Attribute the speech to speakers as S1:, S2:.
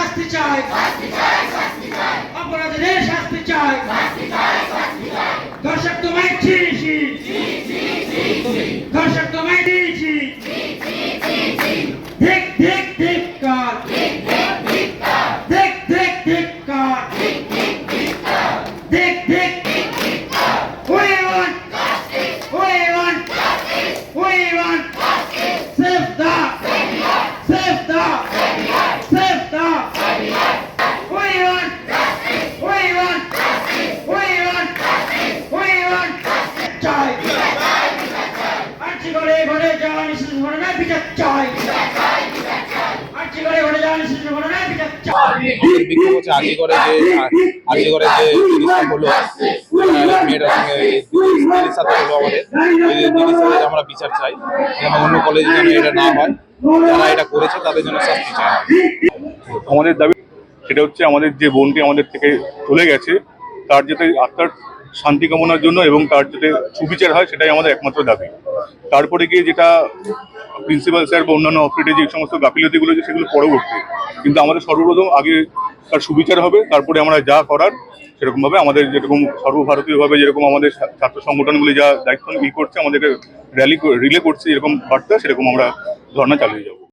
S1: শাস্তি চাই, অপরাধীদের শাস্তি চাই। দর্শক তোমায় চিনিছি, দর্শক তোমায় দিয়েছি। ধিক ধিক ধিক্কার, ধিক ধিক ধিক্কার, ধিক ধিক। We want justice. We want justice. We want justice. Save the. Save the. Save the. We want justice. We want justice. We want justice. We want justice. চাই। আর্জি করে ঘরে যাওয়া নিশ্চিত ঘটনা বিচার চাই। আর্জি করে ঘরে যাওয়া নিশ্চিত ঘটনা বিচার চাই।
S2: আমাদের বিক্ষোভ হচ্ছে আজিগড়ে যে জিনিসটা হলো, মেয়েটার সঙ্গে দিদির সাথে হলো আমাদের, দিদির সাথে আমরা বিচার চাই, যেন অন্য কলেজে যেন এটা না হয়, যারা এটা করেছে তাদের জন্য শাস্তি চাই।
S3: আমাদের দাবি সেটা হচ্ছে আমাদের যে বোনটি আমাদের থেকে চলে গেছে তার যাতে আত্মার শান্তি কামনার জন্য এবং তার যাতে সুবিচার হয় সেটাই আমাদের একমাত্র দাবি। তারপরে গিয়ে যেটা প্রিন্সিপাল স্যার বা অন্যান্য অফিসে যে সমস্ত গাফিলতিগুলো আছে সেগুলো পরবর্তী, কিন্তু আমাদের সর্বপ্রথম আগে তার সুবিচার হবে, তারপরে আমরা যা করার সেরকমভাবে আমাদের যেরকম সর্বভারতীয়ভাবে যেরকম আমাদের ছাত্র সংগঠনগুলি যা দায়িত্ব করছে, আমাদের রিলে করছে এরকম বার্তা, সেরকম আমরা ধর্ণা চালিয়ে যাবো।